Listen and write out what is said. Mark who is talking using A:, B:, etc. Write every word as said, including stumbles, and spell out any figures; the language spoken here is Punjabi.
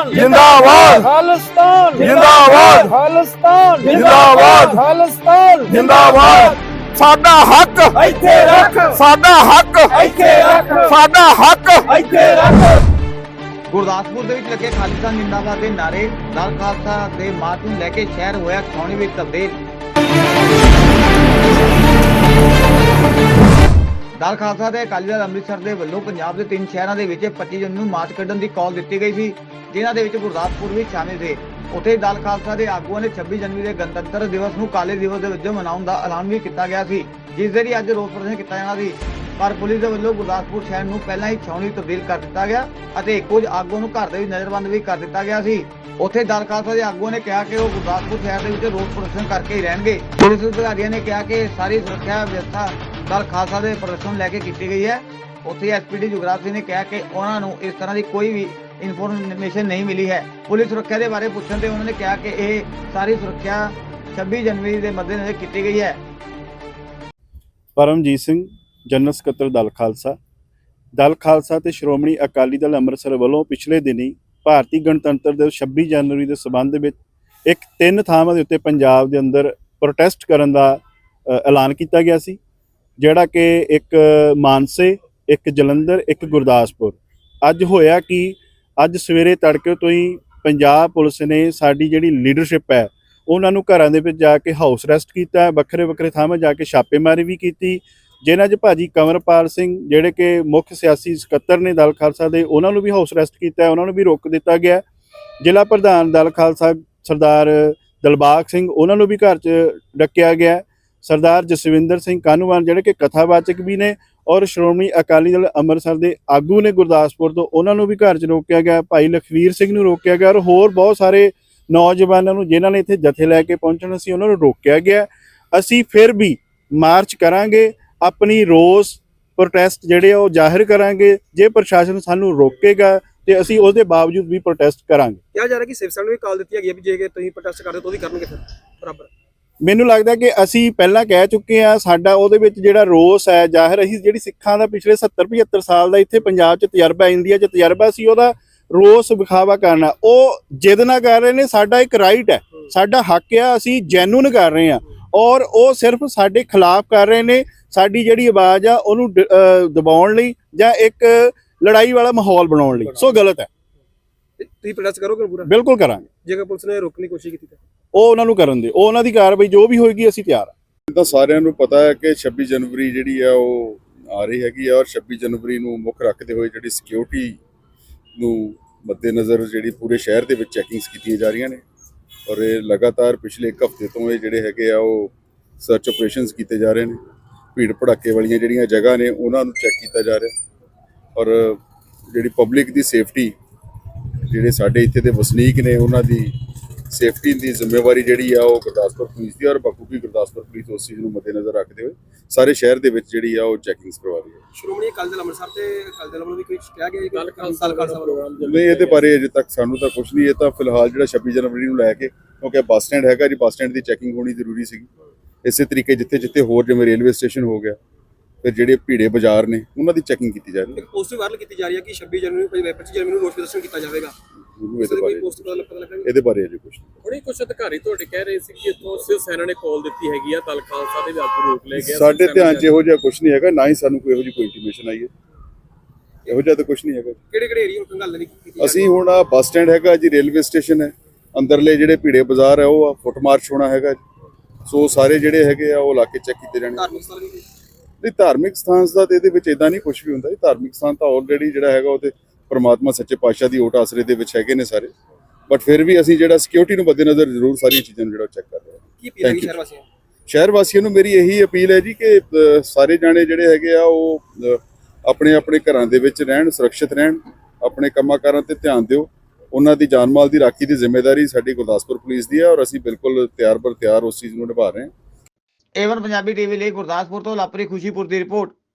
A: खालिस्तान
B: जिंदाबाद
A: खालिस्तान
B: जिंदाबाद
A: खालिस्तान
B: जिंदाबाद
A: खालिस्तान
B: जिंदाबाद साडा हक
A: ਇੱਥੇ ਰੱਖ
B: साडा हक
A: ਇੱਥੇ ਰੱਖ
B: साडा हक
A: ਇੱਥੇ ਰੱਖ।
C: ਗੁਰਦਾਸਪੁਰ ਦੇ ਵਿੱਚ ਲੱਗੇ ਖਾਲਿਸਤਾਨ ਜਿੰਦਾਬਾਦ ਦੇ ਨਾਰੇ ਦਲ ਖਾਲਸਾ ਦੇ ਮਾਰਚ ਨੂੰ ਲੈ ਕੇ ਸ਼ਹਿਰ ਹੋਇਆ ਛਾਉਣੀ ਵਿੱਚ ਤਬਦੀਲ। ਦਲ ਖਾਲਸਾ ਦੇ ਅਕਾਲੀ ਦਲ ਅੰਮ੍ਰਿਤਸਰ ਦੇ ਵੱਲੋਂ ਪੰਜਾਬ ਦੇ ਤਿੰਨ ਸ਼ਹਿਰਾਂ ਦੇ ਵਿੱਚ ਪੱਚੀ ਜੂਨ ਨੂੰ ਮਾਰਚ ਕੱਢਣ ਦੀ ਕਾਲ ਦਿੱਤੀ ਗਈ ਸੀ, ਜਿਨ੍ਹਾਂ ਦੇ ਵਿੱਚ ਗੁਰਦਾਸਪੁਰ ਵੀ ਸ਼ਾਮਿਲ ਸੀ। ਉੱਥੇ ਦਲ ਖਾਲਸਾ ਦੇ ਆਗੂਆਂ ਨੇ ਛੱਬੀ ਜਨਵਰੀ ਦੇ ਗਣਤੰਤਰ ਦਿਵਸ ਨੂੰ ਕਾਲੇ ਦਿਵਸ ਦੇ ਵਜੋਂ ਮਨਾਉਣ ਦਾ ਐਲਾਨ ਵੀ ਕੀਤਾ ਗਿਆ ਸੀ, ਜਿਸ ਦੇ ਲਈ ਅੱਜ ਰੋਸ ਪ੍ਰਦਰਸ਼ਨ ਕੀਤਾ ਜਾਣਾ ਸੀ। ਪਰ ਪੁਲਿਸ ਦੇ ਵੱਲੋਂ ਗੁਰਦਾਸਪੁਰ ਸ਼ਹਿਰ ਨੂੰ ਪਹਿਲਾਂ ਹੀ ਛਾਉਣੀ ਤਬਦੀਲ ਕਰ ਦਿੱਤਾ ਗਿਆ ਅਤੇ ਕੁਝ ਆਗੂਆਂ ਨੂੰ ਘਰ ਦੇ ਵਿੱਚ ਨਜ਼ਰਬੰਦ ਵੀ ਕਰ ਦਿੱਤਾ ਗਿਆ ਸੀ। ਉੱਥੇ ਦਲ ਖਾਲਸਾ ਦੇ ਆਗੂਆਂ ਨੇ ਕਿਹਾ ਕਿ ਉਹ ਗੁਰਦਾਸਪੁਰ ਸ਼ਹਿਰ ਦੇ ਵਿੱਚ ਰੋਸ ਪ੍ਰਦਰਸ਼ਨ ਕਰਕੇ ਹੀ ਰਹਿਣਗੇ। ਪੁਲਿਸ ਅਧਿਕਾਰੀਆਂ ਨੇ ਕਿਹਾ ਕਿ ਸਾਰੀ ਸੁਰੱਖਿਆ ਵਿਵਸਥਾ ਦਲ ਖਾਲਸਾ ਦੇ ਪ੍ਰਦਰਸ਼ਨ ਲੈ ਕੇ ਕੀਤੀ ਗਈ ਹੈ। ਉੱਥੇ ਐਸਪੀਡੀ ਜੁਗਰਾਜ ਸਿੰਘ ਨੇ ਕਿਹਾ ਕਿ ਉਹਨਾਂ ਨੂੰ ਇਸ ਤਰ੍ਹਾਂ ਦੀ ਕੋਈ ਵੀ ਇਨਫੋਰਮੇਸ਼ਨ ਨਹੀਂ ਮਿਲੀ ਹੈ। ਪੁਲਿਸ ਸੁਰੱਖਿਆ ਦੇ ਬਾਰੇ ਪੁੱਛਣ ਤੇ ਉਹਨਾਂ ਨੇ ਕਿਹਾ ਕਿ ਇਹ ਸਾਰੀ ਸੁਰੱਖਿਆ ਛੱਬੀ ਜਨਵਰੀ ਦੇ ਮੱਦੇਨਜ਼ਰ ਕੀਤੀ ਗਈ ਹੈ।
D: ਪਰਮਜੀਤ ਸਿੰਘ ਜਨਰਲ ਸਕੱਤਰ ਦਲ ਖਾਲਸਾ ਦਲ ਖਾਲਸਾ ਤੇ ਸ਼੍ਰੋਮਣੀ ਅਕਾਲੀ ਦਲ ਅੰਮ੍ਰਿਤਸਰ ਵੱਲੋਂ ਪਿਛਲੇ ਦਿਨੀ ਭਾਰਤੀ ਗਣਤੰਤਰ ਦਿਵਸ ਛੱਬੀ ਜਨਵਰੀ ਦੇ ਸਬੰਧ ਵਿੱਚ ਇੱਕ ਤਿੰਨ ਥਾਵਾਂ ਦੇ ਉੱਤੇ ਪੰਜਾਬ ਦੇ ਅੰਦਰ ਪ੍ਰੋਟੈਸਟ ਕਰਨ ਦਾ ਐਲਾਨ ਕੀਤਾ ਗਿਆ ਸੀ, ਜਿਹੜਾ ਕਿ ਇੱਕ ਮਾਨਸੇ, ਇੱਕ ਜਲੰਧਰ, ਇੱਕ ਗੁਰਦਾਸਪੁਰ। ਅੱਜ ਹੋਇਆ ਕਿ ਅੱਜ ਸਵੇਰੇ ਤੜਕੇ ਤੋਂ ਹੀ ਪੰਜਾਬ ਪੁਲਿਸ ਨੇ ਸਾਡੀ ਜਿਹੜੀ ਲੀਡਰਸ਼ਿਪ ਹੈ ਉਹਨਾਂ ਨੂੰ ਘਰਾਂ ਦੇ ਵਿੱਚ ਜਾ ਕੇ ਹਾਊਸ ਅਰੈਸਟ ਕੀਤਾ, ਵੱਖਰੇ ਵੱਖਰੇ ਥਾਵਾਂ ਜਾ ਕੇ ਛਾਪੇਮਾਰੀ ਵੀ ਕੀਤੀ, ਜਿਨ੍ਹਾਂ 'ਚ ਭਾਜੀ ਕੰਵਰਪਾਲ ਸਿੰਘ ਜਿਹੜੇ ਕਿ ਮੁੱਖ ਸਿਆਸੀ ਸਕੱਤਰ ਨੇ ਦਲ ਖਾਲਸਾ ਦੇ, ਉਹਨਾਂ ਨੂੰ ਵੀ ਹਾਊਸ ਅਰੈਸਟ ਕੀਤਾ, ਉਹਨਾਂ ਨੂੰ ਵੀ ਰੋਕ ਦਿੱਤਾ ਗਿਆ। ਜ਼ਿਲ੍ਹਾ ਪ੍ਰਧਾਨ ਦਲ ਖਾਲਸਾ ਸਰਦਾਰ ਦਿਲਬਾਗ ਸਿੰਘ, ਉਹਨਾਂ ਨੂੰ ਵੀ ਘਰ 'ਚ ਡੱਕਿਆ ਗਿਆ। ਸਰਦਾਰ ਜਸਵਿੰਦਰ ਸਿੰਘ ਕਾਨੂੰਵਾਨ ਜਿਹੜੇ ਕਿ ਕਥਾਵਾਚਕ ਵੀ ਨੇ ਔਰ ਸ਼੍ਰੋਮਣੀ ਅਕਾਲੀ ਦਲ ਅੰਮ੍ਰਿਤਸਰ ਦੇ ਆਗੂ ਨੇ ਗੁਰਦਾਸਪੁਰ ਤੋਂ, ਉਹਨਾਂ ਨੂੰ ਵੀ ਘਰ 'ਚ ਰੋਕਿਆ ਗਿਆ। ਭਾਈ ਲਖਵੀਰ ਸਿੰਘ ਨੂੰ ਰੋਕਿਆ ਗਿਆ ਔਰ ਹੋਰ ਬਹੁਤ ਸਾਰੇ ਨੌਜਵਾਨਾਂ ਨੂੰ ਜਿਨ੍ਹਾਂ ਨੇ ਇੱਥੇ ਜਥੇ ਲੈ ਕੇ ਪਹੁੰਚਣਾ ਸੀ ਉਹਨਾਂ ਨੂੰ ਰੋਕਿਆ ਗਿਆ। ਅਸੀਂ ਫਿਰ ਵੀ ਮਾਰਚ ਕਰਾਂਗੇ, ਆਪਣੀ ਰੋਸ ਪ੍ਰੋਟੈਸਟ ਜਿਹੜੇ ਆ ਉਹ ਜ਼ਾਹਿਰ ਕਰਾਂਗੇ। ਜੇ ਪ੍ਰਸ਼ਾਸਨ ਸਾਨੂੰ ਰੋਕੇਗਾ ਤੇ ਅਸੀਂ ਉਹਦੇ ਬਾਵਜੂਦ ਵੀ ਪ੍ਰੋਟੈਸਟ ਕਰਾਂਗੇ।
E: ਕਿਹਾ ਜਾ ਰਿਹਾ ਕਿ ਸਿਵ ਸੈਨਾ ਨੂੰ ਵੀ ਕਾਲ ਦਿੱਤੀ ਹੈਗੀ ਹੈ ਵੀ ਜੇ ਤੁਸੀਂ ਪ੍ਰੋਟੈਸਟ ਕਰਦੇ ਤਾਂ ਉਹ ਵੀ ਕਰਨਗੇ ਫਿਰ ਬਰਾਬਰ।
D: ਮੈਨੂੰ ਲੱਗਦਾ ਕਿ ਅਸੀਂ ਪਹਿਲਾਂ ਕਹਿ ਚੁੱਕੇ ਆ, ਸਾਡਾ ਉਹਦੇ ਵਿੱਚ ਜਿਹੜਾ ਰੋਸ ਹੈ ਜ਼ਾਹਿਰ, ਅਸੀਂ ਜਿਹੜੀ ਸਿੱਖਾਂ ਦਾ ਪਿਛਲੇ ਸੱਤਰ ਪਝੱਤਰ ਸਾਲ ਦਾ ਇੱਥੇ ਪੰਜਾਬ 'ਚ ਤਜਰਬਾ, ਇੰਡੀਆ 'ਚ ਤਜਰਬਾ ਸੀ, ਉਹਦਾ ਰੋਸ ਵਿਖਾਵਾ ਕਰਨਾ। ਉਹ ਜਿੱਦ ਨਾ ਕਰ ਰਹੇ ਨੇ, ਸਾਡਾ ਇੱਕ ਰਾਈਟ ਹੈ, ਸਾਡਾ ਹੱਕ ਆ, ਅਸੀਂ ਜੈਨੂਨ ਕਰ ਰਹੇ ਹਾਂ ਔਰ ਉਹ ਸਿਰਫ ਸਾਡੇ ਖਿਲਾਫ ਕਰ ਰਹੇ ਨੇ। ਸਾਡੀ ਜਿਹੜੀ ਆਵਾਜ਼ ਆ ਉਹਨੂੰ ਦਬਾਉਣ ਲਈ ਜਾਂ ਇੱਕ ਲੜਾਈ ਵਾਲਾ ਮਾਹੌਲ ਬਣਾਉਣ ਲਈ, ਸੋ ਗਲਤ ਹੈ।
E: ਤੁਸੀਂ ਪ੍ਰੋਟੈਸਟ ਕਰੋਗੇ ਪੂਰਾ?
D: ਬਿਲਕੁਲ ਕਰਾਂਗੇ।
E: ਜੇਕਰ ਪੁਲਿਸ ਨੇ ਰੋਕਣ ਦੀ ਕੋਸ਼ਿਸ਼ ਕੀਤੀ ਤਾਂ
D: ਉਹ ਉਹਨਾਂ ਨੂੰ ਕਰਨ ਦੇ, ਉਹ ਉਹਨਾਂ ਦੀ ਕਾਰਵਾਈ ਜੋ ਵੀ ਹੋਏਗੀ ਅਸੀਂ ਤਿਆਰ ਹਾਂ।
F: ਤਾਂ ਸਾਰਿਆਂ ਨੂੰ ਪਤਾ ਹੈ ਕਿ ਛੱਬੀ ਜਨਵਰੀ ਜਿਹੜੀ ਆ ਉਹ ਆ ਰਹੀ ਹੈਗੀ ਆ ਔਰ ਛੱਬੀ ਜਨਵਰੀ ਨੂੰ ਮੁੱਖ ਰੱਖਦੇ ਹੋਏ ਜਿਹੜੀ ਸਿਕਿਉਰਿਟੀ ਨੂੰ ਮੱਦੇਨਜ਼ਰ ਜਿਹੜੀ ਪੂਰੇ ਸ਼ਹਿਰ ਦੇ ਵਿੱਚ ਚੈਕਿੰਗਸ ਕੀਤੀਆਂ ਜਾ ਰਹੀਆਂ ਨੇ ਔਰ ਇਹ ਲਗਾਤਾਰ ਪਿਛਲੇ ਇੱਕ ਹਫ਼ਤੇ ਤੋਂ ਇਹ ਜਿਹੜੇ ਹੈਗੇ ਆ ਉਹ ਸਰਚ ਆਪਰੇਸ਼ਨਸ ਕੀਤੇ ਜਾ ਰਹੇ ਨੇ। ਭੀੜ ਭੜਾਕੇ ਵਾਲੀਆਂ ਜਿਹੜੀਆਂ ਜਗ੍ਹਾ ਨੇ ਉਹਨਾਂ ਨੂੰ ਚੈੱਕ ਕੀਤਾ ਜਾ ਰਿਹਾ ਔਰ ਜਿਹੜੀ ਪਬਲਿਕ ਦੀ ਸੇਫਟੀ, ਜਿਹੜੇ ਸਾਡੇ ਇੱਥੇ ਦੇ ਵਸਨੀਕ ਨੇ ਉਹਨਾਂ ਦੀ ਸੇਫਟੀ ਦੀ ਜ਼ਿੰਮੇਵਾਰੀ ਜਿਹੜੀ ਆ ਉਹ ਗੁਰਦਾਸਪੁਰ ਪੁਲਿਸ ਦੀ ਔਰ ਬਖੂਬੀ ਗੁਰਦਾਸਪੁਰ ਪੁਲਿਸ ਉਸ ਚੀਜ਼ ਨੂੰ ਮੱਦੇਨਜ਼ਰ ਰੱਖਦੇ ਹੋਏ ਸਾਰੇ ਸ਼ਹਿਰ ਦੇ ਵਿੱਚ ਜਿਹੜੀ ਆ ਉਹ ਚੈਕਿੰਗਸ ਕਰਵਾ ਰਹੀ ਹੈ।
E: ਸ਼੍ਰੋਮਣੀ ਅਕਾਲੀ ਦਲ ਅੰਮ੍ਰਿਤਸਰ ਤੇ ਅਕਾਲੀ ਦਲ ਵੱਲੋਂ ਵੀ ਕੋਈ ਕਿਹਾ ਗਿਆ ਦਲ ਖਾਲਸਾ ਪ੍ਰੋਗਰਾਮ
F: ਨਹੀਂ, ਇਹਦੇ ਬਾਰੇ ਅਜੇ ਤੱਕ ਸਾਨੂੰ ਤਾਂ ਕੁਝ ਨਹੀਂ। ਇਹ ਤਾਂ ਫਿਲਹਾਲ ਜਿਹੜਾ ਛੱਬੀ ਜਨਵਰੀ ਨੂੰ ਲੈ ਕੇ, ਕਿਉਂਕਿ ਬੱਸ ਸਟੈਂਡ ਹੈਗਾ ਜੀ, ਬੱਸ ਸਟੈਂਡ ਦੀ ਚੈਕਿੰਗ ਹੋਣੀ ਜ਼ਰੂਰੀ ਸੀਗੀ। ਇਸੇ ਤਰੀਕੇ ਜਿੱਥੇ ਜਿੱਥੇ ਹੋਰ ਜਿਵੇਂ ਰੇਲਵੇ ਸਟੇਸ਼ਨ ਹੋ ਗਿਆ, ਫਿਰ ਜਿਹੜੇ ਭੀੜੇ ਬਾਜ਼ਾਰ ਨੇ ਉਹਨਾਂ ਦੀ ਚੈਕਿੰਗ ਕੀਤੀ ਜਾ ਰਹੀ ਹੈ।
E: ਇੱਕ ਪੋਸਟ ਵੀ ਵਾਇਰਲ ਕੀਤੀ ਜਾ ਰਹੀ ਹੈ ਕਿ ਛੱਬੀ ਜਨਵਰੀ ਨੂੰ ਪੱਚੀ ਜਨਵਰੀ ਨੂੰ ਰੋਸ ਪ੍ਰਦਰਸ਼ਨ ਕੀਤਾ ਜਾਵੇਗਾ।
F: ਇਹਦੇ ਬਾਰੇ
E: ਪੋਸਟ ਪਤਾ ਲੱਗਾ
F: ਇਹਦੇ ਬਾਰੇ ਅਜੇ ਕੁਝ ਨਹੀਂ।
G: ਹੁਣੇ ਕੁਝ ਅਧਿਕਾਰੀ ਤੁਹਾਡੇ ਕਹਿ ਰਹੇ ਸੀ ਕਿ ਇੱਥੋਂ ਸਿਵ ਸੈਨਾ ਨੇ ਕਾਲ ਦਿੱਤੀ ਹੈਗੀ ਆ, ਦਲ ਖਾਲਸਾ ਦੇ ਵੀ ਆਗੂ ਰੋਕ ਲਏ ਗਏ।
F: ਸਾਡੇ ਧਿਆਨ 'ਚ ਇਹੋ ਜਿਹਾ ਕੁਝ ਨਹੀਂ ਹੈਗਾ, ਨਾ ਹੀ ਸਾਨੂੰ ਕੋਈ ਇਹੋ ਜਿਹੀ ਕੋਈ ਇੰਟੀਮੇਸ਼ਨ ਆਈ ਹੈ। ਇਹੋ ਜਿਹਾ ਤਾਂ ਕੁਝ ਨਹੀਂ ਹੈਗਾ।
E: ਕਿਹੜੇ ਕਿਹੜੇ ਏਰੀਆ ਨੂੰ ਗੱਲ ਨਹੀਂ ਕੀਤੀ?
F: ਅਸੀਂ ਹੁਣ ਆ ਬੱਸ ਸਟੈਂਡ ਹੈਗਾ ਜੀ, ਰੇਲਵੇ ਸਟੇਸ਼ਨ ਹੈ, ਅੰਦਰਲੇ ਜਿਹੜੇ ਭੀੜੇ ਬਾਜ਼ਾਰ ਹੈ ਉਹ ਆ, ਫੁੱਟ ਮਾਰਚ ਹੋਣਾ ਹੈਗਾ ਜੀ। ਸੋ ਸਾਰੇ ਜਿਹੜੇ ਹੈਗੇ ਆ ਉਹ ਇਲਾਕੇ ਚੈੱਕ ਕੀਤੇ ਜਾਣੇ।
E: ਧਾਰਮਿਕ ਸਥਾਨ ਵੀ
F: ਨਹੀਂ, ਧਾਰਮਿਕ ਸਥਾਨ ਦਾ ਤੇ ਇਹਦੇ ਵਿੱਚ ਇਦਾਂ ਨਹੀਂ ਕੁਝ ਵੀ ਹੁੰਦਾ ਜੀ। ਧਾਰਮਿਕ ਸਥਾਨ ਤਾਂ ਆਲਰੇਡੀ ਜਿਹੜਾ ਹੈਗਾ ਉਹ ਤੇ ਪਰਮਾਤਮਾ ਸੱਚੇ ਪਾਤਸ਼ਾਹ ਦੀ ਓਟ ਆਸਰੇ ਦੇ ਵਿੱਚ ਹੈਗੇ ਨੇ ਸਾਰੇ, ਬਟ ਫਿਰ ਵੀ ਅਸੀਂ ਜਿਹੜਾ ਸਿਕਿਉਰਿਟੀ ਨੂੰ ਮੱਦੇਨਜ਼ਰ ਜ਼ਰੂਰ ਸਾਰੀਆਂ ਚੀਜ਼ਾਂ ਨੂੰ ਜਿਹੜਾ ਚੈੱਕ ਕਰ ਰਹੇ ਹਾਂ।
E: ਕੀ ਅਪੀਲ ਹੈ ਸ਼ਹਿਰ ਵਾਸੀਆਂ ਨੂੰ?
F: ਸ਼ਹਿਰ ਵਾਸੀਆਂ ਨੂੰ ਮੇਰੀ ਇਹੀ ਅਪੀਲ ਹੈ ਜੀ ਕਿ ਸਾਰੇ ਜਾਣੇ ਜਿਹੜੇ ਹੈਗੇ ਆ ਉਹ ਆਪਣੇ ਆਪਣੇ ਘਰਾਂ ਦੇ ਵਿੱਚ ਰਹਿਣ, ਸੁਰੱਖਿਅਤ ਰਹਿਣ, ਆਪਣੇ ਕੰਮਾਂ ਕਾਰਾਂ ਤੇ ਧਿਆਨ ਦਿਓ। ਉਹਨਾਂ ਦੀ ਜਾਨ ਮਾਲ ਦੀ ਰਾਖੀ ਦੀ ਜ਼ਿੰਮੇਵਾਰੀ ਸਾਡੀ ਗੁਰਦਾਸਪੁਰ ਪੁਲਿਸ ਦੀ ਹੈ ਔਰ ਅਸੀਂ ਬਿਲਕੁਲ ਤਿਆਰ ਬਰ ਤਿਆਰ ਉਸ ਚੀਜ਼ ਨੂੰ ਨਿਭਾ ਰਹੇ ਹਾਂ।
C: ਏਵਨ ਪੰਜਾਬੀ ਟੀਵੀ ਲਈ ਗੁਰਦਾਸਪੁਰ ਤੋਂ ਲਾਪਰੀ ਖੁਸ਼ੀਪੁਰ ਦੀ ਰਿਪੋਰਟ।